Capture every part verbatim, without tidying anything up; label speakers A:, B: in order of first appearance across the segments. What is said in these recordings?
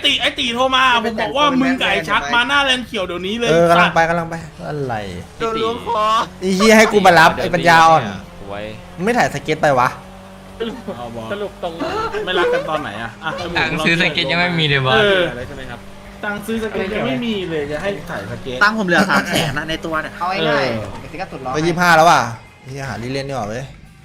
A: ตีไอตีโทรมาผมบอกว่ามึงไก่ชักมาหน้าแลนเขียวเดี๋ยวนี้เลย
B: เออกำลังไปกำลังไปอะไร
C: โดนล้วงคอ
B: ไอ้เหี้ยให้กูมารับไอ้ปัญญาอ่อน
D: ไว้
B: มึงไม่ถ่ายสเก็ตไปวะ
A: สรุปตรงไม่รักกันตอนไหนอะอ่ะ
D: ตังค์ซื้อสเก็ตยังไม่มีเลยบอส
A: อะไรใช่ไหมครับตังค์ซื้อสเก็ตยังไม่มีเลยจะให้ถ่ายสเก็ต
C: ตั้งผมเหลือสามแสนนะในตัวเนี่ย
E: เอาง่ายๆกติกาสุดร้อน
B: ก็ยี่ห้าแล้วว่ะที่หาลิเล่นดีกว่าเว้ย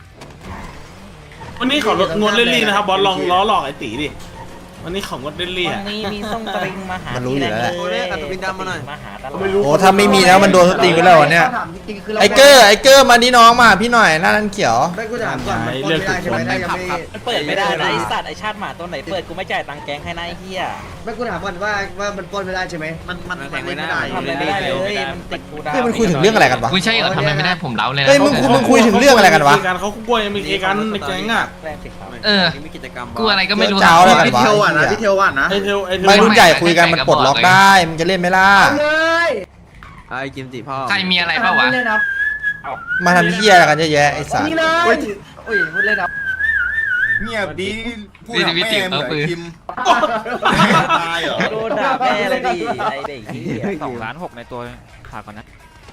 A: วันนี้ของดเล่นลี่นะครับบอสลองล้อหลอกไอตีดิวันนี้ของงดเล่นลี่
E: วั
A: อะ
E: นนี้มีส้มตริงมาหา
B: มันรู้อยู่แล้วแหละ
C: โอ้ยอัตวินดำมาหน่อย
E: มาหาตลอด
A: ไม่รู้
B: โอ้ถ้าไม่มีแล้วมันโดนสตรีไปแล้วเนี่ยไอ้เกอร์ไอ้เกอร์มาดิน้องมาพี่หน่อยหน้านั้นเขียว
C: ไม่กูถามก่อนมันปล้นไม่ได้ใช่ไหมถ้ายังไม่
E: มันเปิดไม่ได้นะไอสัตว์ไอชาติหมาตัวไหนเปิดกูไม่จ่ายตังค์แกงให้นายเฮีย
C: ไม่กูถามก่อนว่าว่ามันปล้นไม่ได้ใช่ไหมมันมันมันไม่ได้
E: ทำอะไรไม่ได้เลยมันติดกูดาว
B: เฮ้ยมันคุยถึงเรื่องอะไรกันวะ
D: คุณใช่เหรอทำอะไรไม่ได้ผมเล้าเลยนะ
B: เฮ้ยมึงคุณมึงคุยถึงเรื่องอะไรกันวะ
A: การเขากล้วยมีเคกันในแก๊งอะ
E: แรงสิครับ
D: เออ
C: มีกิจกรรม
D: กูอะไรก็ไม่รู้
B: เจ้าอะไรกัน
C: พี่
B: วะ
C: เทลอ่ะนะพี่เทลอ่ะนะ
A: ไอเทลไอเทล
B: ไม่รุ่นใหญ่คุยกันมันปลดล็อกได้มึงจะเล่นไหมล่ะ
C: เลยไอ้กิมจิพ่อ
D: ใครมีอะไรเปล่าวะ
B: มาทำเหี้ยอะไรกันเยอะแยะไอ้สัส
C: นี่เลย
E: โอ้ยพูดเล่นนะ
F: เงียบดีพูด
D: วิ
F: กับ
D: วิ
F: แม่
D: ติ
F: เหมื
D: เอา
F: อน
D: ปืน
F: คิมตายเหรอ
E: โดนด่าแม่เลยดิไอเด็กเฮีย
D: สองล้านหกในตัวฝากก่อนนะ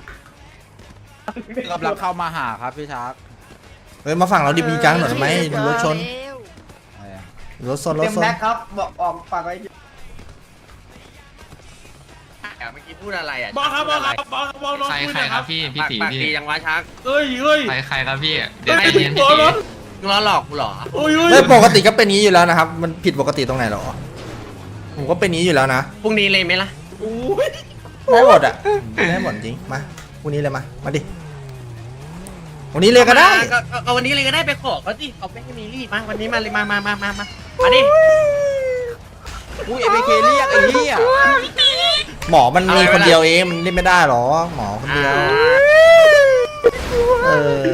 G: กำลังเข้ามาหาครับพี่ชาร์ก
B: เฮ้ยมาฝั่งเราดิมีจังหน่อยไหมรถชนรถชนรถ
C: เต็ม
B: ชน
C: แบ็คครับบอกออกฝากไว้เมื่อกี้พูดอะไรอ่ะ
A: บอสครับบอสครับบอสครับบอสลอง
D: ใคร
A: คุย
D: ใค
A: ห
D: ร
A: น่อย
D: ค
A: ค
D: รั
A: รั
D: บบ พี่พี่ตี
C: ปาก
D: พี่
C: ดียังวะชัก
A: เอ้ยเฮ้ย
D: ใครใครครับพี่เดี๋ยว
A: เฮ้
D: ใจ
A: ย
D: เย็น
A: ตัว
D: พี่
A: รถ
C: ล้อหลอกกูเหรอ
A: โอ้ยเฮ้ย
B: ไม่ปกติก็เป็นอย่างนี้อยู่แล้วนะครับ มันผิดปกติตรงไหนหรอ ผมก็เป็นอย่างนี้อยู่แล้วนะ
C: พรุ่งนี้เลยไหมล่ะ
A: โอ้ย
B: ได้หมดอ่ะได้หมดจริงมาพรุ่งนี้เลยมามาดิวันนี้เลยก็ได้
C: ก็วันนี้เลยก็ได้ไปขอเขาสิเขาไม่ให้มีรีดมาวันนี้มาเลยมามามามามามาดิ
G: อุ้ยเอเมเคเรียกไอ้เหี้ย
B: หมอมันมีคนเดียวเองมันเล่นไม่ได้หรอหมอคนเดียวเออ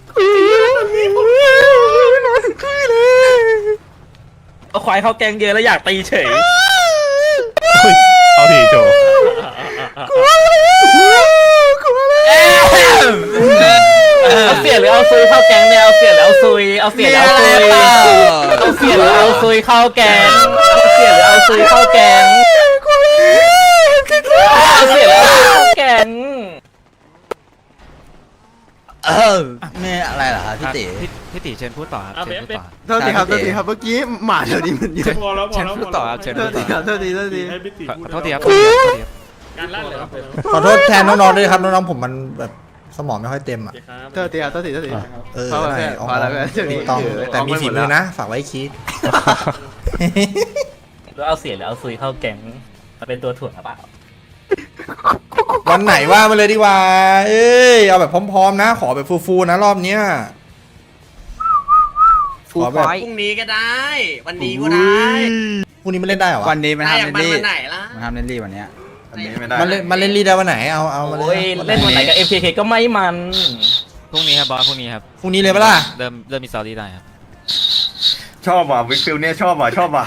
E: เอาควายเข้าแกงเยอะแล้วอยากตีเฉย
A: เอาทีโจ
E: เอาเสียหรือเอาซุยเข้าแกงเนี่ยเอาเสียหรือเอาซุยเอาเสียหรือเอาซุยเอาเสียหรือเอาซุยเข้าแกงเอาเสียหรือเอาซุยเข้าแกงเอาเสียหรือเอาซุยเข้าแกง
G: เออแม่อะไรเหรอครับพี่เต๋
D: พี่ตีเชิญพูดต่อครับเชิญพูดต่อ
C: โทษทีครับโทษทีครับเมื่อกี้หมาแถวนี้มันเยอะ
A: พอแล้วพอ
D: เชิญ
A: แล้ว
D: พูดต่อครับเชิญ
C: โท
D: พู
C: ษ
D: ด
C: ที
D: ต่อ
C: ครับโทษทีโทษที
A: ให้พี่ตีพูด
D: โทษทีครับ
A: การลั่นเลยครับ
B: ขอโทษแทนน้องๆด้วยครับน้องๆผมมันแบบสมองไม่ค่อยเต็มอ่ะ
C: โทษทีครับโทษทีโทษที
B: เออ
C: พอแล้ว
B: หน่อย
C: พอแล้ว
B: อ๋อ
C: เดี๋ยวนี้
B: ต้อง
C: ถือ
B: แต่มี
C: เอาไป
B: ฝี
C: หมด
B: มือ
C: แล้ว
B: นะฝากไว้คิด
E: หรือเอาเสียหรือเอาซุยเข้าแกงมาเป็นตัวถ่วงหรือเปล่า
B: วันไหนว่ามาเลยดีกว่า เอ้ย เอาแบบพร้อมๆนะ ขอแบบฟูๆนะรอบเนี้ยขอแบบ
C: พรุ่งนี้ก็ได้ วันนี้ก็ได้
B: พรุ่งนี้มันเล่นได้เหรอวะ
G: วันนี้มัน
C: ได้
G: ทำ
C: อย่าง
G: เล่น
C: มัน
G: ลี่
C: วันไหนล่ะ
G: มันทำเล่นลี่วันเนี้ย
F: อันนี้ไม่ได้
B: มันเล่นมันเล่นรีได้วันไหน เอาเอามา
E: โอ้ย
B: เลย
E: เล่นวันไหนกับ เอ็ม เค เค ก็ไม่มัน
D: พรุ่งนี้ครับบอสพรุ่งนี้ครับ
B: พรุ่งนี้เลยปะล่ะ
D: เริ่มเริ่มมีสตอรี่ได้ครับ
F: ชอบว่ะวิกฟิลเนี่ยชอบว่ะชอบว่ะ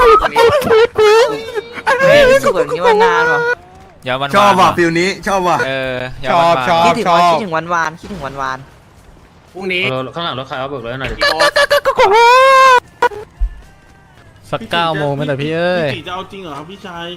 E: เฮ้ยรู้สึกแบบนี้มานานว่ะ
D: อย่าวัน
F: ชอบว่ะฟิลนี้ชอบว่ะ
D: เอออย่า
B: ชอบ
D: วัน
B: ชอบ
E: คิดถึง
B: ชอ
E: วัน
B: บ
E: คิดถึงวันวานคิดถึงวันวาน
C: พรุ่งนี้
A: ข้างหลังรถใครเอาเบิกรถหน่อยดิ
C: กี่โมง
A: สักเก้าโมงไม่แต่พี่เอ้ยพี่ตีจะเอาจริงเหรอครับพี่ชาย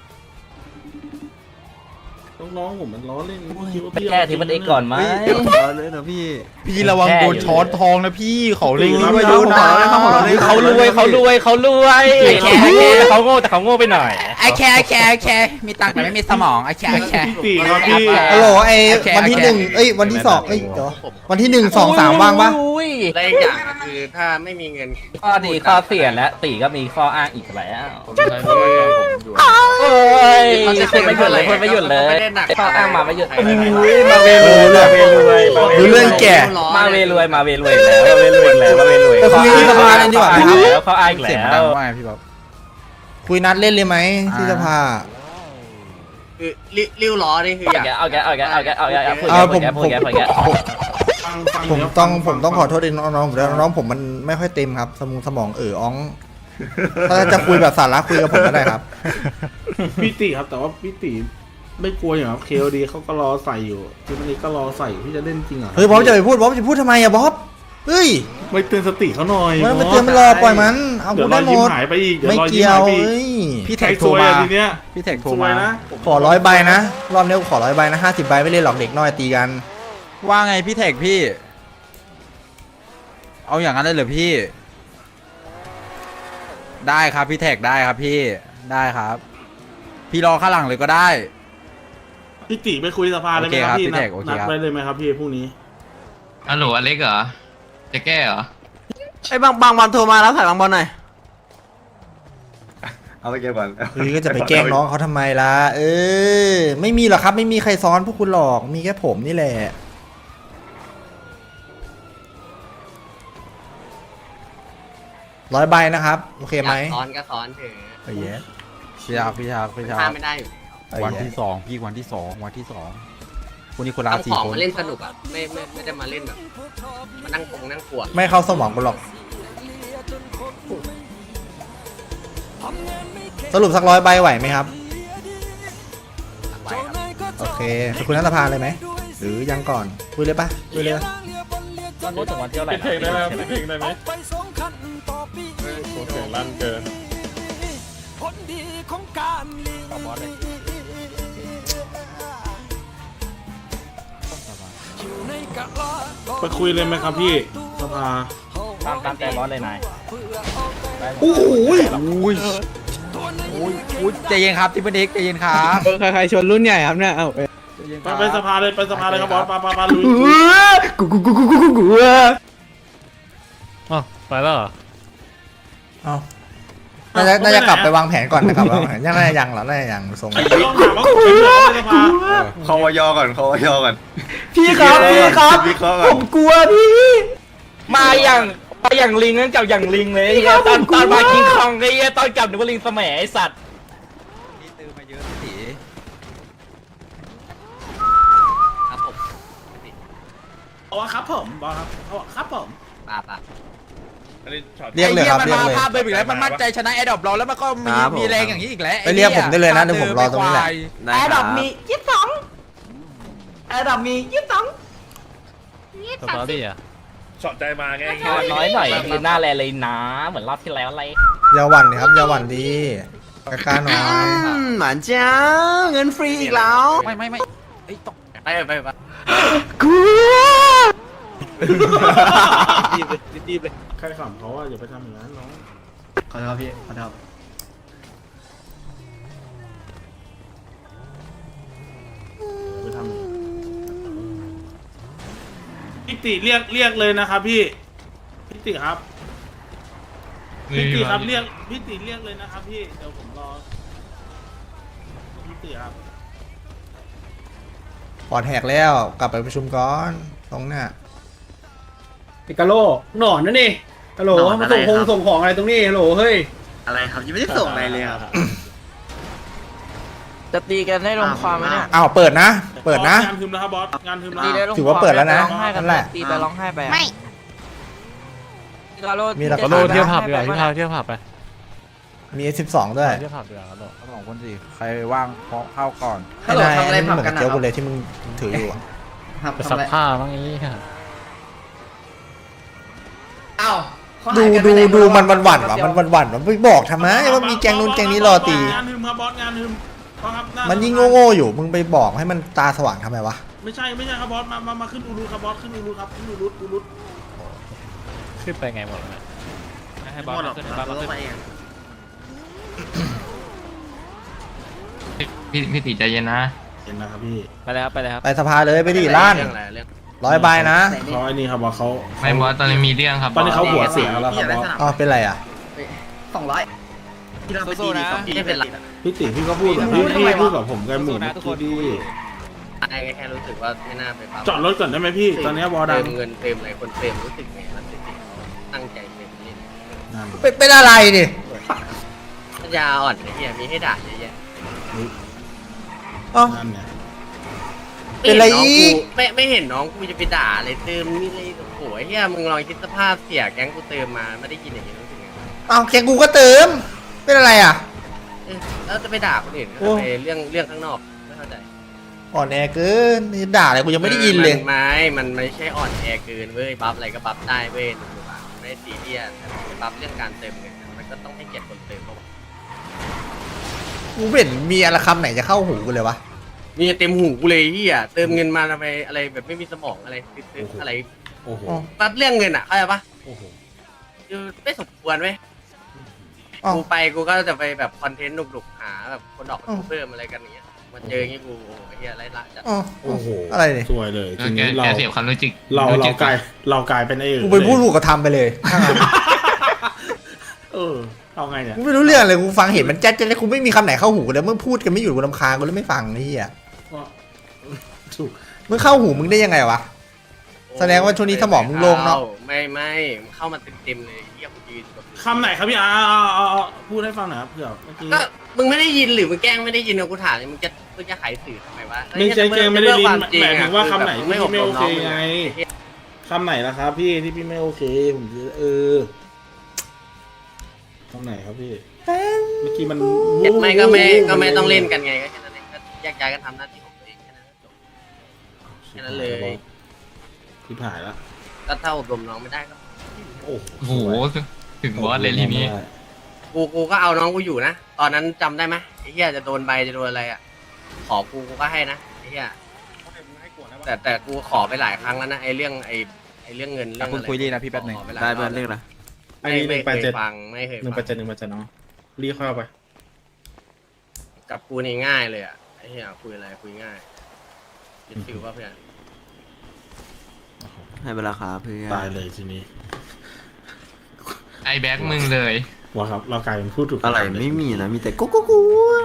A: น้องๆผมมันล้อเล่นคิดว่า
E: ไป
A: พี่
E: แก้ที่มันเอกก่อนไหม
C: เลยนะพี่
G: พี่ระวังโดนช้อนทองนะพี่เขาเล่น
C: ตี
G: ลี่
C: นะ
G: มาเยอะนะ
E: เขารวยเขารวยเขารวยแต่เขาโง่แต่เขาโง่ไปหน่อย
G: ไอแคร์แคร์แคร์มีตังค์แต่ไม่มีสมองไอแคร์แคร์
A: พี่ตีครับพี่
B: ฮัลโหลไอ้
G: โอเค
B: วันที่
G: โอเค
B: หนึ่งเอ้ยวันที่สองเอ้ยเดี๋ยววันที่หนึ่งสองสามว่างปะ
E: อุ้ย
C: และอีกอย่างก็คือถ้าไม่มีเงิน
E: ข้อดีข้อเสียและตีก็มีข้ออ้างอีกแล้ว
A: ผมใช้ผมอยู่
E: โอ้ยพูดไม่หยุดเลยพูดไม่หยุดเลยข้ออ้างมาไม่หยุดอุ้ยมาเวรวยมาเวรวย
B: ดูเรื่องแก่
E: มาเวรวยมาเวรวยแล้วมาเวรวยแล้วมาเวรวย
B: ไปคุยที่สภากันดีกว่าครับ
E: แล้วข้ออ้างอีก
G: เสียง
E: แล้
G: ดัง
E: ว
G: ว่าไงพี่บ๊อบ
B: คุยนัดเล่นเลยไหมที่สภา
C: คือริ้วล้อนี่คืออยาก
E: เอาแกเอาแกเอาแกเอาแกเอาแกพูด
B: เอา
E: แก
B: ผ
E: พูด
B: ม
E: แก
B: ผ
E: พูด
B: ม
E: แกพูดแก
A: ฟังฟัง
B: ผม
A: เดี๋ยว
B: ต้อง
A: ฟั
B: ผมต้องขอโทษด้วยน้องๆผมด้วยน้องๆผมมันไม่ค่อยเต็มครับ สมองสมองเอออ้อง ถ้าจะคุยแบบสาระคุยกับผมก็ได้ครับ
A: พี่ตีครับแต่ว่าพี่ตีไม่กลัวอย่างครับเคโอดีเขาก็รอใส่อยู่ทีมนี้ก็รอใส่อยู่พี่จะเล่นจริงเหรอ
B: เฮ้ยบ๊อบจะไปพูดบ๊อบจะพูดทำไมอะบ๊อบเฮ้ย
A: ไม่เตือนสติเขาหน่อย
B: มันไม่เตือนมันรอปล่อยมันเอา
A: เดี๋ย
B: กู
A: วร
B: ได้
A: อย
B: หม
A: ยิ้ม
B: ด
A: หายไปอีกเดี๋ยว
B: ไม่
A: รอยยิ้
B: เกี่
A: ม
B: ยว
A: หายไปอีก
B: เฮ้ย
G: พี่
A: ใค
G: แท็
A: ร
G: กโท
A: ซ
G: ร
A: วย
G: มา
A: อะทีเนี้ย
G: พี่แท็กโทร
A: ซว
G: มาย
A: นะ
B: ขอร้อยใบนะรอบนี้กูขอร้อยใบนะห้าสิบใบไม่เล่นหรอกเด็กน้อยตีกัน
G: ว่าไงพี่แท็กพี่ เอาอย่างนั้นเลยเหรอพี่ ได้ครับพี่แท็กได้ครับพี่ได้ครับ พี่รอข้างหลังเลยก็ได้
A: พี่ติไปคุยสภาเลยไหมครับ
G: โอเคครับ
A: พี่
G: พี่
A: นั
G: แท็
A: ด
G: กโอเค
A: นัด
G: ครับ
A: ไว้เลยไหมครับพี่พรุ่งนี้
H: ฮัลโหลอเล็กเหรอ จะแก้เหรอ
C: ไอ้บางบางบอลโทรมาแล้วถ่ายบางบอลหน่อย
F: เอาไปเก็บก่อน
B: เฮ้ยก็จะไปแกล้งน้องเขาทำไมล่ะเออไม่มีหรอกครับไม่มีใครซ้อนพวกคุณหรอกมีแค่ผมนี่แหละร้อยใบนะครับโอเคไหม
C: ซ้อนก็ซ้อนเถอะ
B: เอ้ยแย่
G: พี่ชาพี่ชาพี่ชา
C: ห้ามไม่ได้อยู่
B: เอ้ย
G: วัน
B: แย่
G: ที่สองพี่วันที่สองวันที่สองคนนี้คนละ
C: ทำ
G: สี่
C: ของ
G: คน
C: มาเล่นสนุกอ่ะไม่ไม่ไม่ได้มาเล่นแบบมานั่งปงนั่งปวด
B: ไม่เข้าสมองกูหรอกสรุปสักร้อยใบไหวไหมครับ
C: ไว้ครับ
B: โอเคไปคุยนัฐสภาเลยไหมหรือยังก่อนคุยเลยปะคุยเลยปะ
E: ตอนนี้ถึงวันที่เท่าไหร่
A: เพลงได้ไหมเพลงได้ไหมเสียงลั่นเกิน ไปคุยเลยไหมครับพี่สภา
E: ตามตามใจบอสเลยนาย
B: โอ้โห
G: อุ้ยอุ้ยอุ้ยใจเย็นครับทิปเปอร์เด็กใจเย็นครับ
I: ใครใครชนรุ่นใหญ่ครับเนี่ย เอ้า
G: ใจเย็นค
A: ไป
G: รับ
A: ไปสภาเลยไปสภาเลยครับบอสปาปาปาลุย
I: กูกูกูกูกูกูกู
D: อ๋อไปแล้วเหรอ
B: เอาน่าจะน่าจะกลับไปวางแผนก่อนนะครับวางแผนยังน่าจะยังเหรอน่าจะยังทรง
A: ไอ้เดี๋ยวต้องถามว่าผมเป็นเรื่องอะไรสภา
F: คอวยอก่อนคอวยอก่อน
I: พี่ครับพี่ครับ
F: วิเคราะห์ก่
I: ผ
F: อน
I: มกลัวพี่
E: มาอย่างมาอย่างลิงนั่นกับอย่างลิงเลยไอ้เหี้ยตอนตอนมาคิงคองไอ้เหี้ยตอนกลับนึกว่าลิงสมัยไอ้สัตว์
G: พี่ตื้อมาเยอะพี่ตี
C: ครับผม
A: เอาวะครับผมบอสครับเอาวะครับผม
C: ป่าป่า
B: เรียกเลยครับ
G: ไอ้
B: เรียก
G: มัน
B: เลย
G: มาภาพไปอีกแล้วมันมั่นใจชนะแอดดอปเราแล้วมันก็มีมีแรงอย่างนี้อีกแล้ว
B: ไปเรียกผมได้เลยนะเดี๋ยวผมรอตรงนี้แหละ
C: แอร์ดรอปมียี่สิบสองแอร์ดรอปมียี่สิบสอง
D: สตอรี่อ่ะ
E: น้อยหน่อยคือหน้าแลเลยนะเหมือนรอบที่แล้วอะไร
B: อยาหวั่นดิครับอยาหวั่นดีกล้าๆหน่อย
I: หมันเจ้าเงินฟรีอีกแล้ว
G: ไม่ไม่ไม่ไอ้ยตก
C: ไปไปไป
I: กลัว
C: รีบเลยรีบเลย
A: ใครขำเขาว่าอย่าไปทำอย่างนั้นน้อง
I: ขอโทษพี่ขอโทษ
A: อย่าไปทำอย่างนั้นพี่ติเรียกเรียกเลยนะครับพี่พี่ติครับพี่ติครับเรียกพี่ติเรียกเลยนะครับพี่เดี๋ยวผมรอพี่ติครับ
B: ปอดแหกแล้วกลับไปประชุมก่อนตรงเนี้ย
I: ปิกาโลหนอนนั่นนี่ฮัลโหลมาส่งคงส่งของอะไรตรงนี้ฮัลโหลเฮ้ย
C: อะไรครับยังไม่ได้ส่งอะไรเลยครับ
J: จะตีกันได้ลงความไหมเนี่ย
B: อ้าวเปิดนะ เปิดนะ
A: งานทึมแล้วครับบอสงานทึมแล้ว
J: ตีได้ลง
B: ถือว่าเปิดแล้วนะ
J: ร้องไห้กัน
B: นั่นแหละ
J: ตีไปร้องไห้ไปอะ
K: ไม่
J: พี่กาโร
B: มีหลัก
J: จะ
B: ฐาน
J: ตี
D: เที่ยวผับ
J: ไป
D: ดีกว่า
J: ร้อง
D: ที่
J: ไห้
D: พาเที่ยวผับไป
B: มี เอส สิบสอง ด้วย
D: เที่ยวผับดีกว่าครับ
G: สองคนสิใครว่างเพาะเข้าก่อน
B: ให้นายอันนี้มันเหมือนกับเจียวกูเลยที่มึงถืออยู่อะ
D: ไปซักผ้าบ้างนี้ค่ะ
C: เอ้า
B: ดูดูดูมันวันหวั่นๆว่ะมันวันหวั่นๆว่ะไม่บอกทำไมว่ามีแกงนู้นแกงนี้รอตี
A: งานทึมครับบอสงานทึมบอสครับหา
B: มันยิ่งโง่ๆอยู่มึงไปบอกให้มันตาสว่างทำไมวะ
A: ไม่ใช่ไม่ใช่ครับบอสมามามาขึ้นอูรุครับบอสขึ้นอูรุครับขึ้นอูรุอูรุ
D: ขึ้นไปไงหมดเนี่ยให้บอสมาขึ้นให้บอสมาขึ้น
H: พี่พี่ติใจเย็นนะ
A: เห็นนะครับพี่
D: ไปเลยครับไปเลยครับ
B: ไปสภาเลยไปดิล้าน
C: เรื่องอะไรเรื่อง
B: ร้อยใบนะ
A: เขาไอ้นี่ครับบอสเขา
H: ไม่บอสตอนนี้มีเรื่องครับ
A: ตอนนี้เขา
H: บส
A: หัวเสียแล้วครับบอส
B: อ๋อเป็นไรอ่ะ
C: สองร้อยที่เราไปตีดีสองที่ไม่เป็นไร
A: พี่ติพี่ก็พูดกับพี่พี่พูดกับผมกันหมู่เมื่อกี้ดี
C: ไอ้แค่รู้สึกว่าไม่น่าไปปั๊ม
A: จอดรถก่อนได้ไหมพี่ ตอนนี้บอสดั
C: เติ
A: ง
C: มเงินเติมอะไรคนเติมรู้สึกไงมันรู้สึกตั้งใจเติมนี่
A: นั่น
B: เป็นเป็นอะไรดิ
C: ปัญญาอ่อนไอ้เหี้ยมีให้ด่าเยอะแยะ
B: อ๋อ
A: นั่นเนี่ย
B: เป็นไรอีก
C: ไม่ไม่เห็นน้องกูจะไปด่าเลยเติมนี่เลยโอ้โหไอ้เหี้ยมึงลองคิดสภาพเสียแก๊งกูเติมมาไม่ได้ยินอย่างนี้รู้สึกไง
B: อ้าวแกงกูก็เติม เป็นอะไรอ่ะ
C: เออแล้วจะไปด่าคนอื่น
B: โอ้
C: ไปเรื่องเรื่องข้างนอกไม่เข้าใจ
B: อ่อนแอเกินนี่ด่าอะไรกูยังไม่ได้ยินเลย
C: มันไม่ มันไม่ใช่อ่อนแอเกินเว้ย บัฟอะไรก็บัฟได้เว้ยหนูๆอะไม่ได้ซีเรียสแต่บัฟเรื่องการเติมเงินอะมันก็ต้องให้เกียรติคนเติมเขา
B: กูไม่เห็นมีอะไรคำไหนจะเข้าหูกูเลยวะ
C: มีเต็มหูกูเลยที่อ่ะเติมเงินมาทำไมอะไรแบบไม่มีสมองอะไรซื้อๆอะไร
A: โอ้โห
C: บัฟเรื่องเงินอ่ะเข้าใจปะ
A: โอ้โห
C: คือไม่สมควรเว้ย
B: อ้าว
C: กูไปกูก็จะไปแบบคอนเทนต์หนุกๆหาแบบคนออกมาเพิ่มอะไรกันอย่างเงี้ยมาเจออย่างงี้กูโอ้โหไอ้เหี้ยไรละจัด
B: อ๋อ
A: โอ้โห
B: อะไรเนี่ย
A: สวยเลย
H: เอ
A: ที
H: อแก
A: นี้เรา
H: แกเสียบความรู้จิก
A: เรา
H: รู้
A: เรา
H: จิก
A: กลายเรากลายเป็นไอ้อื่น
B: กูไปพูดถูกกระทำไปเลยถ้างั้น
A: เออเอาไงเนี่ย
B: กูไม่รู้เรื่องเลยกูฟังเห็นมันแจ๊ดแจ๊ดกูไม่มีคำไหนเข้าหูกูเลยมึงพูดกันไม่หยุดกูรำคาญกูเลยไม่ฟังไอ้เหี้ย
A: ก็ถูก
B: มึงเข้าหูมึงได้ยังไงวะ แสดงว่าช่วงนี้สมองมึงโล่งเนอะ
C: ไม่ไม่มันเข้ามาเต็มๆเลยเหี้ยกูยืนแบบ
A: คำไหนครับพี่อาเอาเอาเอาพูดให้ฟังหน่อยครับเผื่อเมื่อกี้
C: ก็มึงไม่ได้ยินหรือมึงแกล้งไม่ได้ยินเอากูถามเลยมึงจะมึงจะขายสื่อทำไมวะ
A: ไม่ใช่เจงไม่ได้ลิน
C: ควจริ
A: หมายถึงว่าคำไหน
C: คือ
A: ที่
C: แบบ
A: พี่ไม่โอเค
C: บรมน้
A: ไงคำไหนล่ะครับพี่ที่พี่ไม่โอเคผมจะเออคำไหนครับพี่เมื่อกี้มัน
C: ไม่ก็ไม่ก็ไม่ต้องเล่นกันไงก็แค่นั้นเองก็แยกย้ายกันทำหน้าที่ของตัวเองแค่นั้นจบ แค่นั้นเลย
A: ที่ผ่านละ
C: ก็ถ้าอบรมน้องไม่ได้ก็
A: โอ้
H: โอ้โหถึงบอสเลยทีนี้
C: กูกูก็เอาน้องกูอยู่นะตอนนั้นจำได้ไหมไอ้เหี้ยจะโดนใบจะโดนอะไรอ่ะขอกูกูก็ให้นะไอ้เหี้ยแต่แต่กูขอไปหลายครั้งแล้วนะไอ้เรื่องไอ้ไอ้เรื่องเงินเรื่อง
G: คุณ
C: อะไร
G: คุยดีนะพี่แป๊บหนึง
C: ขอปหลาย
F: ได้
C: ร
F: เพื่
C: อ
F: อนเรื่องนะ
A: อันนี้ห
C: ไม่
A: นึ่งแป
C: ไม่
A: ด
C: เค
A: เจ็ด
C: ยฟังไม่เคย
A: หนึ่งแป
C: ฟั
A: ด
C: ง
A: เจ็ดหนึ่งแปดเจ็ดเนาะรีเข้าไป
C: กับกูนี่ง่ายเลยอ่ะไอ้เหี้ยคุยอะไรคุยง่ายยึดฟิวป่ะเพื่อน
F: ให้เวลาครับเพื่อน
A: ตายเลยทีนี้
H: ไอแบ็กมึงเลย
A: ว่าครับเรากลายเป็นผู้ถูก
F: อะไร
A: กทำเลย
F: ไม่มีนะ มีแต่กุ๊กกุ๊กกุ๊ก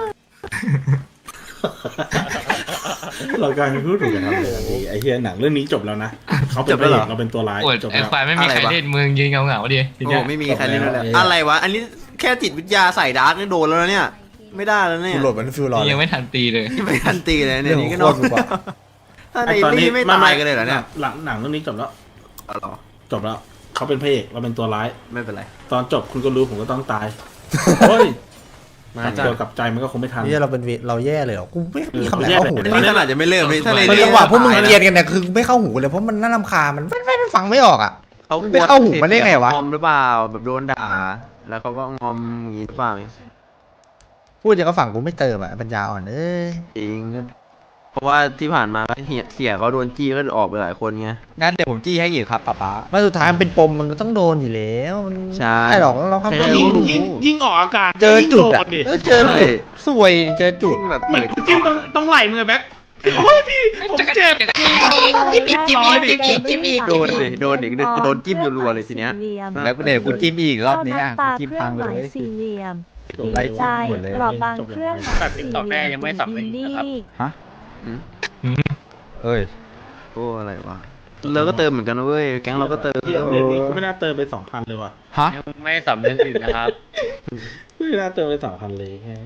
A: เรากลายเป็นผู้ถูกกระทำเลยทันทีไอ้เฮียหนังเรื่องนี้จบแล้วนะเขาเป็นพระเอกเราเป็นตัวร้าย
H: ปวด
A: จบ
H: ไอ
A: แล้ว
H: ควายไม่มีใครเล่นมึงยืนเงาเงาๆดิที
F: โอ้
H: เนี้ย
F: ไม่มีใครเล่นเลย
A: จบแล้ว
F: อะไรวะ อันนี้แค่จิตวิทยาใส่ดาร์กนี่โดนแล้วนะเนี่ย ไม่ได้แล้วเนี่ย
B: กูโหลดมันฟิลรอ
H: นี่
B: เล
H: ยัง
B: ย
H: ไม่ทันตีเลย
F: ไม่ทันตีเลยเนี่ย
B: เรื่อง
F: นี่ก็
B: ข
F: น
B: อ
F: อง น
B: โคตรกว่า
F: ถ้าใน
A: ไอ้ตอน
F: นี่
A: นี้
F: ไม่ตายกันเลยเหรอเนี่ย
A: หลังหนังเรื่องนี้จบแล้ว
F: อ๋อเหรอ
A: จบแล้วเขาเป็นพระเอกเราเป็นตัวร้าย
F: ไม่เป็นไร
A: ตอนจบคุณก็รู้ผมก็ต้องตายโอ้ยมาเจอกับใจมันก็คงไม่ทัน
B: นี่เราเป็นเวเราแย่เลยเหรอกูไม่มีคำไหน
A: แย่
B: เข้า
A: เลย
B: หูเลย
F: นี่ขนาดจะไม่เริ่มเลยถ้าใน
B: มัน
F: นี้
B: จังหวะพวกมึงเกลียดกันเนี่ยคือไม่เข้าหูเลยเพราะมันน่ารำคาญมันไม่ไม่ฟังไม่ออกอ่ะ
F: เขา
B: ไม่เข้าหูมันได้ไงวะ
F: งอมหรือเปล่า แบบโดนด่า แล้วเขาก็งอมอย่างงี้หรือเปล่า
B: พูดอย่างก็ฝั่งกูไม่เติมอ่ะปัญญาอ่อนเอ้ย
F: จริง เพราะว่าที่ผ่านมาก็เหียเสียเขาโดนจี้ก็ออกไปหลายคนไง
G: งั้นเดี๋ยวผมจี้ให้อีกครับป๊าป๊า
B: มาสุดท้ายมันเป็นปมมันก็ต้องโดนอยู่แล้วมัน
F: ใช่
B: ไม่หรอกเราทำ
F: ใช่
B: ก็
A: ยิ่ง
B: รู้
A: ยิ่งยิ่งออกอากาศ
B: เจอจุดอ่ะ
A: ยิ่งโน
B: เออเจอจุดสวยเจอจุด
F: แบบ
A: เหมือนจิ้มต้องต้องไหลมือแบ็คโอ้ยพี่ผมเจ็บร้อยดิ
F: โดนดิโดนดิโดนจิ้มรัวๆเลยทีเนี้ย
G: แล้วเดี๋ยวกูจิ้มอีกรอบนี้อ่ะ
K: ตา
G: กูจิ้ม
K: เครื่
G: พั
K: อง ง
G: เล
K: หมาย
G: ย
K: สี่เหลี่ยม
G: ไล่
K: ใจ
G: หมดเลย
K: กรอบบางเครื่องหมายสี่เหลี่ยมอินดี้
G: ฮะ
F: อืม
G: เอ้ย
F: โอ้อะไรวะเราก็เติมเหมือนกันนะเว้ย แก๊งเราก็เติม
A: เดี๋ยวนี้กูไม่น่าเติมไปสองพันเลยว่ะ
G: ฮะ
D: ไม่สำนึกอื่นนะครับ
A: ไม่น่าเติมไปสองพันเลยแค่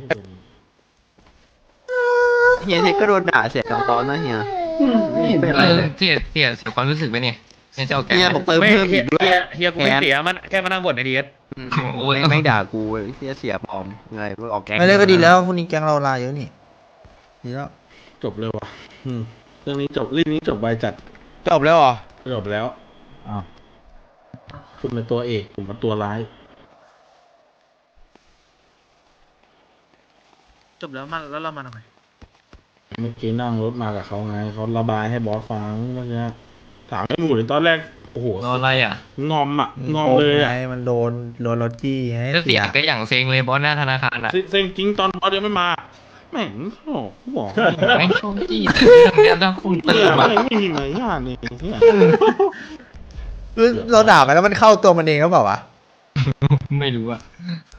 F: เฮียเทคก็โดนด่าเสียตอนตอนนะเฮียไม่เห็นเป็น
H: เอ
F: ไร
H: อ
F: เลย
H: เสียเสียเสียความรู้สึกไปเนี่ยเนี่ยเจ้าแก
F: เฮียบอกเติมเพิ่มอีกด้วย
D: เฮียกูไม่เสียมันแค่มานั่งบ่นในดีเอส
H: โอ้ย
F: ไม่ด่ากูเว้ยเฮียเสียปลอมไงเพื่อออกแก๊ง
B: ไม่เล่นก็ดีแล้วพวกนี้แกงเราลาเยอะนี่ดีแล้ว
A: จบเลยว่ะอืมเรื่องนี้จบเรื่องนี้จบไวจัด
G: จบแล้วเหรอ
A: จบแล้ว
G: อ้าว
A: คุณเป็นตัวเอกผมเป็นตัวร้าย
D: จบแล้วมันแล้วเรามาทำไม
A: เมื่อกี้นั่งรถมากับเขาไงเขาระบายให้บอสฟังเมื่อกี้ถามไอ้หมูในตอนแรกโอ้โห
H: โดนอะไรอ่ะ
A: งอมอ่ะงอมเลยอ่ะ
B: ไงมันโดนโดนรถจี้ให้
H: ก็เสี
B: เสี
H: ย
B: ย
H: ก็อย่างเซ็งเลยบอสหน้าธนาคารอ่ะ
A: เซ็งจริงตอนบอสยังไม่มาแม่งโอ้โหบอก
H: ไม่โชคดีแต่เรื่องเนี้ยต้องคุณ
A: เตื
H: เตื
A: อ
H: อน
A: น
H: มา
A: ไม่มีมารยาทเลยเนี่ย
B: คือเราด่าไปแล้วมันเข้าตัวมันเองก็เปล่าวะ
H: ไม่รู้อ่ะ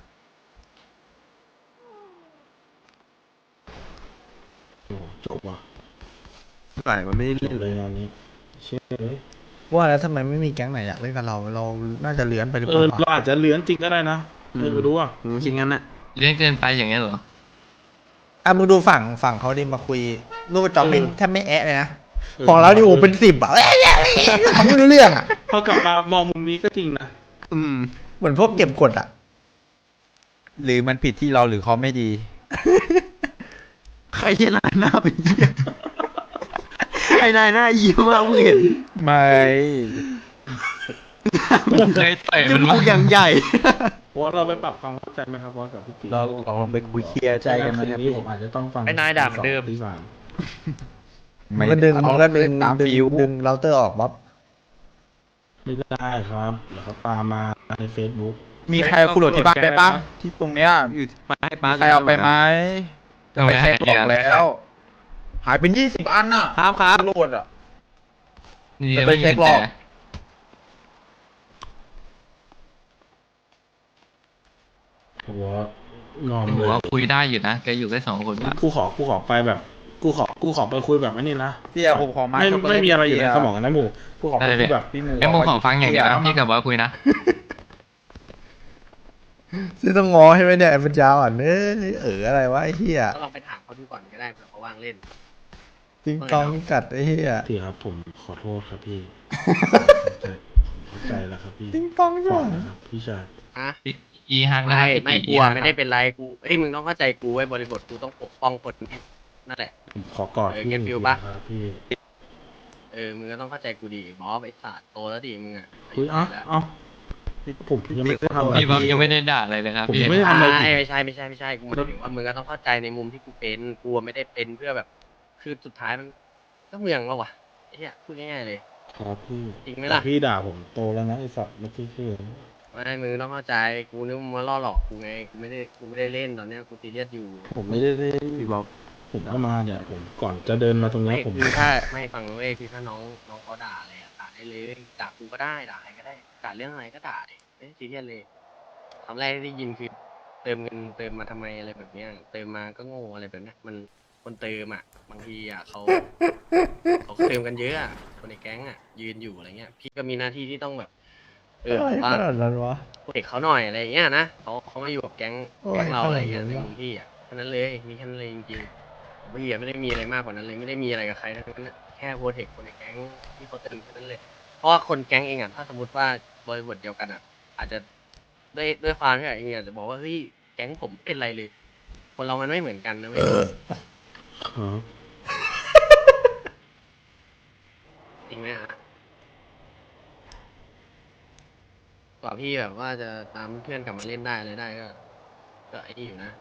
A: โอ้โหจบว่ะ
F: ไหลมันไม่ได้
A: จ
F: เล่
A: บ
F: น
A: เลยงานนี้เชื่อเลย
B: ว่าแล้วทำไมไม่มีแก๊งไหนอยากเล่นกับเรา เราน่าจะเลื้อนไปหรือ
A: เอ
B: เป
A: อ
B: ล่า
A: เราอาจจะเลื้อนจริงก็ได้นะเออไม่รู้อ่ะ
F: ผมคิดงั้นน่ะ
H: เรื่องเกินไปอย่างเงี้ยเหรอ
B: อ่ะมึงดูฝั่งฝั่งเขาดิมาคุยรูปจอมนี่แทบไม่แอะเลยนะของเราดิโอ้เป็นสิบอ่ะเขาไม่รู้เรื่องอ่ะ
A: พอกลับมามองมุมนี้ก็จริงนะ
F: อืม
B: เหมือนพวกเก็บกดอ่ะ
G: หรือมันผิดที่เราหรือเขาไม่ดี
F: ใครจะหน้าหน้าเป็นเหี้ยไอ้นายหน้ายิ้มมากมึงเห็น
G: ไม่
H: เคยต่อย
F: จ
H: มัน
F: มู
H: มาก
F: อย่างใหญ่
A: บอสเราไปปรับความเข้าใจไหมครับบอสกับพี่ตี
G: เราเราลองไปคุยเคลียร์ใจกันไหมครับ
A: นี้
G: พี่
A: ผมอาจจะต้องฟัง
K: ไอ้นายด่าเหมือนเดิม
A: ที่สาม
B: มันก็ดึงมันก็ดึง
G: ตาม
B: ดึง
G: ฟิว
B: ดึงเราเตอร์ออกบ๊อบ
A: ไม่ได้ครับเดี๋ยวเขาตามมาใน Facebook
G: มีใครเอาคุณโหลดที่บ้านไปปะที่ตรงเนี้ยอยู่
F: มาให้ป้า
G: ใครเอาไปไหมจะไปเช็คบอกแล้ว หายเป็นยี่สิบอันน่ะ
F: ครับครับ
G: โหลดอ่ะ
H: นี่
G: จะไป
H: ไม่
G: เช็
H: เห็
G: คน หร
H: แต่
G: อก
A: ผมว่างอม
H: ผม
A: เลย
H: ว่าคุยได้อยู่นะแกอยู่แค่สองคนอะ
A: กูขอกูขอไปแบบ กูขอกูขอไปคุยแบบนี้นะ
G: พี่อะผมขอมา
A: ไม่
G: ช็อกโกแลต
A: ไม่มีอะไรอยู่ใน
G: พี่
A: สมองนะหมูกูขอไปคุยแบบ
G: พี่หมู
H: ไอ้ยผมขอฟังอย่างเดียวนะพี่กับบอสคุยนะ
B: ซึ่งต้องงอให้ไหมเนี่ยไอ้ปัญญาอ่อนเอ้ยเอออะไรวะไอ้เหี้ย
C: ก็ลองไปถามเขาดูก่อนก็ได้เผื่อเขาว่างเล่น
B: ติงตองกัดไอ้เหี้ย
A: พี่ครับผมขอโทษครับพี่ เข้าใจแล้วครับพี่
B: ติงตอง
A: ข
B: จ้ะ
A: อนะครับพี่ชาย
C: ฮะ
H: อีฮักนะ
C: ไม่
H: พี่
C: ไม่
H: ตี
C: กลัวไม่ได้เป็นไรกูเอ้ยมึงต้องเข้าใจกูไว้บริบทกูต้องปกป้องคนที่นั่นแหละ
A: ผมขอกอด
C: เออ
A: พี่
C: เก็ตฟิล
A: หนึ่ง
C: ปะ
A: ทีครับพี่
C: เออมึงก็ต้องเข้าใจกูดีบอสไอ้สัตว์โตแล้วดิมึงอ่ะ
A: คุยเอ้าเอ้าผมยังไม่ได้ทำอะไร
H: พี่บอสยังไม่ได้ด่าอะไรเลยครับ
A: ผม
H: พี่
A: ยังไม่ได้ทำอะไรผิด
C: ไม่ใช่ไม่ใช่ไม่ใช่กูหมายถึงว่ามึงก็ต้องเข้าใจในมุมที่กูเป็นกูไม่ได้เป็นเพื่อแบบ คือสุดท้ายมันก็เมืองแล้ววะไอ้เหี้ยพูดง่ายๆเลย
A: ครับพี่
C: จริงไหมล่ะ
A: แต่พี่ด่าผมโตแล้วนะไอ้สัตว์เมื่อกี้คือ
C: ไม่มึงต้องเข้าใจกูนึกว่ามึงมาล่อหลอกกูไงกูไม่ได้กูไม่ได้เล่นตอนเนี้ยกูซีเรียสอยู่
A: ผมไม่ได้เล่น
F: พี่บอก
A: ผมก็มาเนี่ยผมก่อนจะเดินมาตรงเนี้
C: ไม่
A: ยผม
C: คือถ้าไม่ฟังนะเว้ยคือถ้าน้องน้องเขาด่าอะไรอะด่าได้เลยด่ากูก็ได้ด่าใครก็ได้ด่าเรื่องอะไรก็ด่าดิไม่ซีเรียสเลยคำแรกที่ได้ยินคือเติมเงินเติมมาทำไมอะไรแบบเนี้ยเติมมาก็โง่อะไรแบบเนี้ยมันคนเติมอ่ะบางทีอ่ะเขาเขาเติมกันเยอะอะคนในแก๊งอ่ะยืนอยู่อะไรเงี้ยพี่ก็มีหน้าที่ที่ต้องแบบ เออ
B: อะไร
C: ว่า
B: ขนาดนั้นวะ
C: เด็กเขาหน่อยอะไรอย่างเงี้ยนะเขาเขามาอยู่กับแก๊ง
B: โอ้ย
C: แก๊งเราอะไรอย่างเงี้ย
B: ขนาด
C: ใน
B: นั้นวะ
C: มุมพี่อ่ะแค่นั้นเลยมีแค่นั้นเลยจริงๆพี่อะไม่ได้มีอะไรมากกว่านั้นเลยไม่ได้มีอะไรกับใครทั้งนั้นอะแค่โปรเทคคนในแก๊งที่เขาเติมแค่นั้นเลยเพราะว่าคนแก๊งเองอ่ะถ้าสมมติว่าบริบทเดียวกันอ่ะ อาจจะด้วยด้วยความที่เองอาจจะบอกว่าเฮ้ยแก๊งผมเป็นไรเลย คนเรามันไม่เหมือนกันนะเว้ย
A: ครับ
C: จริงไหมฮะกว่าพี่แบบว่าจะตามเพื่อนกลับมาเล่นได้อะไรได้ก็ ก็ไอ้นี่อยู่นะ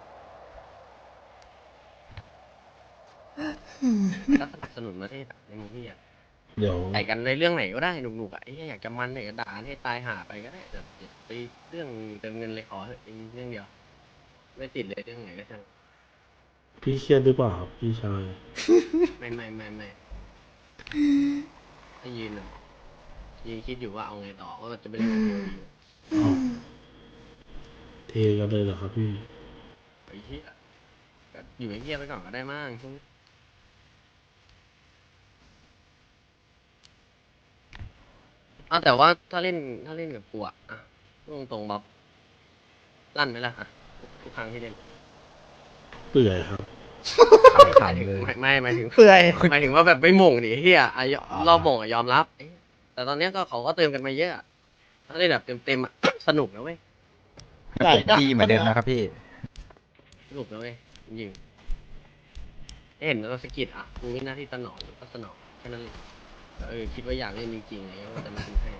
C: ก็สนับสนุนประเทศอะในมุมพี่อะ
A: เดี๋ยว
C: ใส่กันในเรื่องไหนก็ได้หนุกๆอะไอ้เหี้ยอยากจะมันอยากจะด่าให้ตายหาไปก็ได้แต่อย่าไปเรื่องเติมเงินเลยขอเถอะเรื่องเดียว ไม่ติดเลยเรื่องไหนก็ช่าง
A: พี่เครียดหรือเปล่าครับพี่ชาย
C: ไม่ไม่ไม่ไม่ถ้ายืนอะยืนคิดอยู่ว่าเอาไงต่อว่าจะไปเล่นกับตัวดี
A: อ้าวเทกันเลยเหรอครับพี่
C: ไอ้เหี้ยก็อยู่เงียบๆไปก่อนก็ได้มั้งช่วงนี้อ้าวแต่ว่าถ้าเล่นถ้าเล่นกับกูอะอ่ะพูดตรงๆบ๊อบลั่นไหมล่ะอ่ะทุกครั้งที่เล่น
A: เปื่อยครับ
C: หมายถึงไม่ไม่หมายถึง
B: เปื่อย
C: หมายถึงว่าแบบไม่หม่งดิเฮียอ่ะยอรอบหม่งอ่ะยอมรับเอ๊ะแต่ตอนเนี้ยก็เขาก็เติมกันมาเยอะอะถ้าเล่นแบบเต็มๆอ่ะ สนุกนะเว้ย
G: พี่เหมือนเดิมนะครับพี่
C: สนุกนะเว้ยจริงๆเห็นเราสกิดอ่ะกูมีหน้าที่สนองก็สนองแค่นั้นเลยเออคิดว่าอยากเล่นจริงๆอะไรเงี้ยก็จะมาทำให้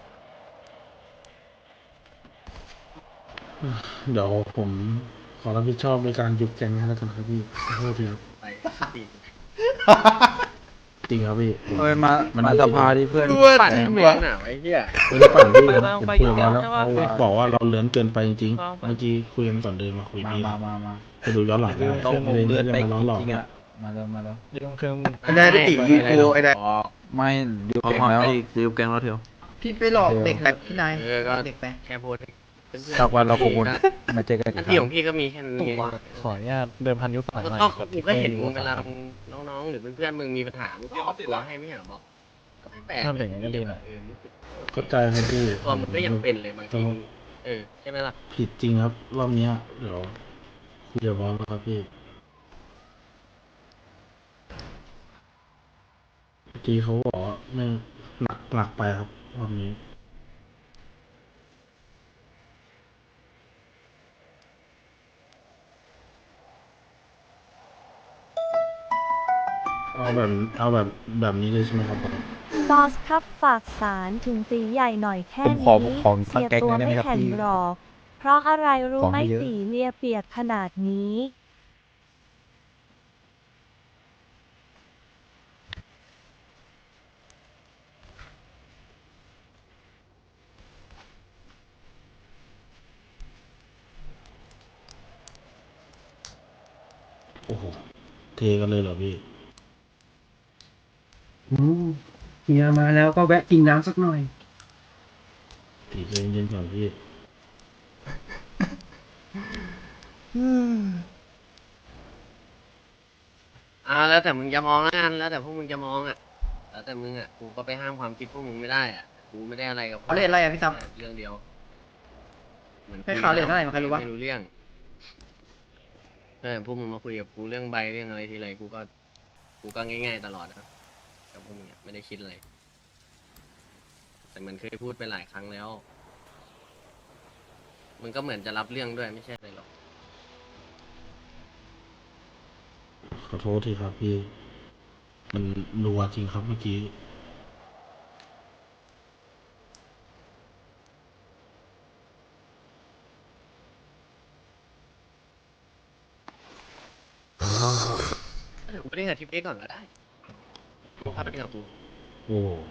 A: เดี๋ยวผมขอรับผิดชอบในการยุบแก๊งให้แล้วกันครับพี่ขอโทษทีครับ
C: ไปตีน
A: จริงครับพี่
G: เอ้ยมามาสภาที่เพื่อน
C: ปั่นทำไมหนาไว้เฮีย
A: ไม่ได้ปั่นพี่
J: ไป
A: ผม
J: บ้าง
A: ผม
J: ไป
A: คุยกับเขาแล้ว
J: ใช่ปะ
A: เขาบอกว่าเราเลื้อนเกินไปจริง
J: บ้าง
A: ๆ
J: ไป
A: เมื่อกี้คุยกันก่อนเดินมาคุย
G: มา
A: พี่
G: มามามา
A: ไปดูย้อนหลังได้
G: ต้อง
A: ไม่ได้
G: เลือด
A: ไม่
G: ไป
A: ได้มาล้อหลอก
G: จริงๆอะมาแล้วมาแล้ว
D: เรื่องเครื่อง
B: ไอ้นายได้ติดวีโอไอ้นาย
G: ไม่เดี๋ยว
F: พอ
G: เก่ง
F: พอ
G: แล้ว
F: ไอ้ซื้อแกงแล้วเถอะ
B: พี่ไปหลอกเด็กแบบพี่นาย
C: เออก็
B: เด็กไป
C: แค่โพสต์ให้เพื่อนๆ
G: จากวันเราคงมาเจอกัน
C: ห
G: อี
C: น้าก
G: ค
C: ที่
G: รั้
C: ของ งพี่ก็มีแค่นั้นไง
D: ขออนุญาตเดิมพันยุคสมัย
C: ก็
D: ใหม่
C: ก็
D: กับ
C: กูก็เห็นมึงเวลามึงน้องๆ หรือเพื่อนๆมึงมีปัญหามึงก็ออกตัวให้ไม่ใช่เหรอบอกก็ไม่แปลก
D: ถ้าเป็นอย่างนั้นก็ดีหน่อย
C: เออ
A: เข้าใจครับพี่
C: ตัวมึงก็ยังเป็นเลยบางทีเออใช่ไหมล่ะ
A: ผิดจริงครับ รอบเนี้ยเดี๋ยวคุยกับบอสแล้วครับพี่เมื่อกี้เขาบอกว่าไม่หนักหนักไปครับรอบนี้เอาแบบเอาแบบแบบนี้เลยใช่ไหมครับบอส
L: บอสครับฝากสารถึงตีใหญ่หน่อยแค่
B: ผมขอ
L: นี้
B: ของ
L: เสีย
B: แก๊ง
L: ตัว
B: ได้ไหม
L: ไม่
B: ครับ
L: แข็ง
B: พี่
L: หรอก เพราะอะไรรู้
B: ของ
L: ไหม
B: ให้เยอะ
L: ตีเลียเปียกขนาดนี้
A: โอ้โหเทกันเลยเหรอพี่
I: อืมเฮียมาแล้วก็แวะกินน้ำสักหน่อย
A: ตีใจเย็นๆก่อนพี่
C: อ่าแล้วแต่มึงจะมองแล้วกันแล้วแต่พวกมึงจะมองอ่ะแล้วแต่มึงอ่ะกูก็ไปห้ามความคิดพวกมึงไม่ได้อ่ะกูไม่ได้อะไรกับ
B: เขาเรียกอะไรอะพี่ซับ
C: เรื่องเดียวเหมือน
B: ให้เขาเรียกเท่าไหร่มันใครรู้วะ
C: ไม่รู้เรื่องเออพวกมึงมาคุยกับกูเรื่องใบเรื่องอะไรทีไรกูก็กูก็ง่ายๆตลอดนะกับพวกมึงอะไม่ได้คิดอะไรแต่มันเคยพูดไปหลายครั้งแล้วมันก็เหมือนจะรับเรื่องด้วยไม่ใช่อะไรหรอก
A: ขอโทษทีครับพี่ มันรัวจริงครับเมื่อกี้
C: เดี๋ยวกูเล่นกับทิปเอ็กก่อนก็ได้พาไปเล่นกับกู
A: โอ้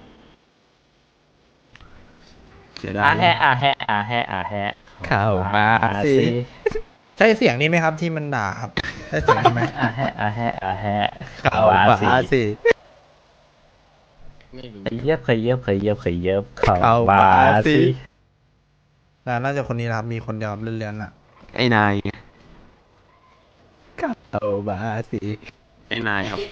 F: เสียดา
E: อาย แฮะอาแฮะอาแฮะอาแฮะ
B: เข้ามาสิ ใช่เสียงนี้ไหมครับที่มันด่าครับใช่เสียงนี้ไหม
E: อาแฮะอาแฮะอาแฮะ
B: เข้ามาสิ
C: ไม่รู้
E: เคยเย็บเคยเย็บเคยเย็บเคยเย็บเข้า
B: เข้า
E: มา
B: มาสิ
E: สิ
B: น่าจะคนนี้นะครับมีคนเดียวครับเลื่อนๆอ่ะ
F: ไอ้นายไง
B: เข้ามาสิ
F: ไอ้นายครับ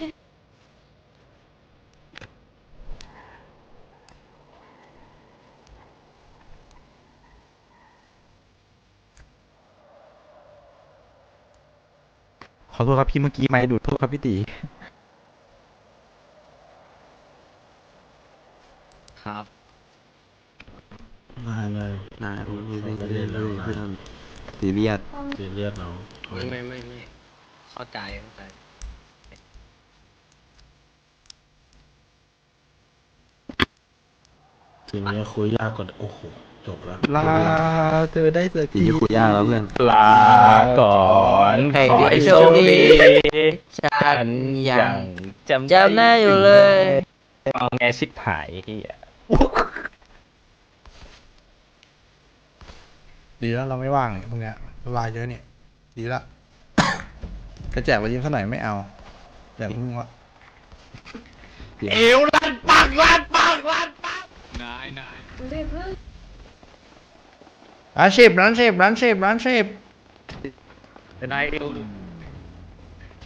B: ขอโทษครับพี่เมื่อกี้ไม่ดูดโทษครับพี่ตี
C: ครับ
A: นายเลย
F: นายรู้ไม่
A: เขา
F: ได้
A: ไม่ได้
F: เล
A: แล้ว
F: ย
A: นาย
F: เพื่อนซีเรียส
A: เสียเลือดเรา
C: ไม่ไม่ไม่ไม่เข้าใจเข้าใจ
A: ทีนี้คุยยากกว่าโอ้โหจบแล้ว
B: ลาเธอได้สัก
F: ที
B: ที
F: ที่คุยยากแล้วเพื่อน
E: ลาก่อนขอให้โชคดี
J: ฉันยั
E: ยัง งจำ
J: จำได้อยู่เลย
E: มองไงชิบหายที่
B: ดีแล้วเราไม่ว่างเนี่ยพวกเนี้ยเวลาเยอะเนี่ย ดีละจะแจกวันยิ้มสักหน่อยไม่เอาแจกมึงวะ
H: เอวลั่นปังลั่นปังลั่นปังนายนาย
B: ร้านสิบร้านสิบร้านสิบร้านสิบ
H: นายเอว